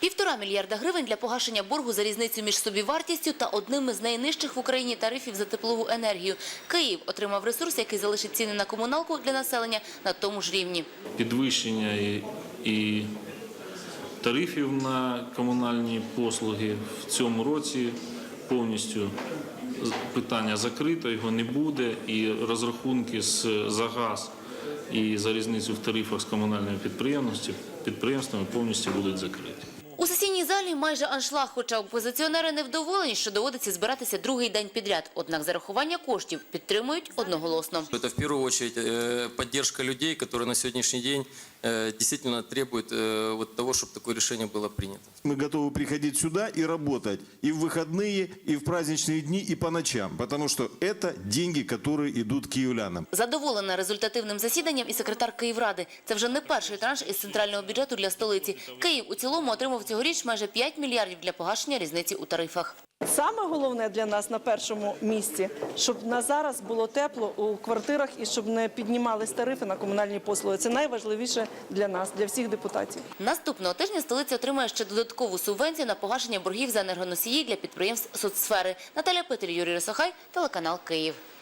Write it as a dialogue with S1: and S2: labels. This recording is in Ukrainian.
S1: 1,5 мільярда гривень для погашення боргу за різницю між собівартістю та одним із найнижчих в Україні тарифів за теплову енергію. Київ отримав ресурс, який залишить ціни на комуналку для населення на тому ж рівні.
S2: Підвищення і тарифів на комунальні послуги в цьому році повністю питання закрито, його не буде, і розрахунки за газ і за різницю в тарифах з комунальними підприємствами повністю будуть закриті.
S1: У сесійній залі майже аншлаг, хоча опозиціонери невдоволені, що доводиться збиратися другий день підряд. Однак зарахування коштів підтримують одноголосно.
S3: Це в першу чергу підтримка людей, які на сьогоднішній день дійсно требують того, щоб таке рішення було прийнято.
S4: Ми готові приходити сюди і працювати і в вихідні, і в праздничні дні, і по ночам, тому що це гроші, які йдуть київлянам.
S1: Задоволена результативним засіданням і секретар Київради. Це вже не перший транш із центрального бюджету для столиці. Київ у цілому отримав цьогоріч майже 5 мільярдів для погашення різниці у тарифах.
S5: Саме головне для нас на першому місці, щоб на зараз було тепло у квартирах і щоб не піднімались тарифи на комунальні послуги. Це найважливіше для нас, для всіх депутатів.
S1: Наступного тижня столиця отримає ще додаткову субвенцію на погашення боргів за енергоносії для підприємств соцсфери. Наталя Петель, Юрій Росохай, телеканал Київ.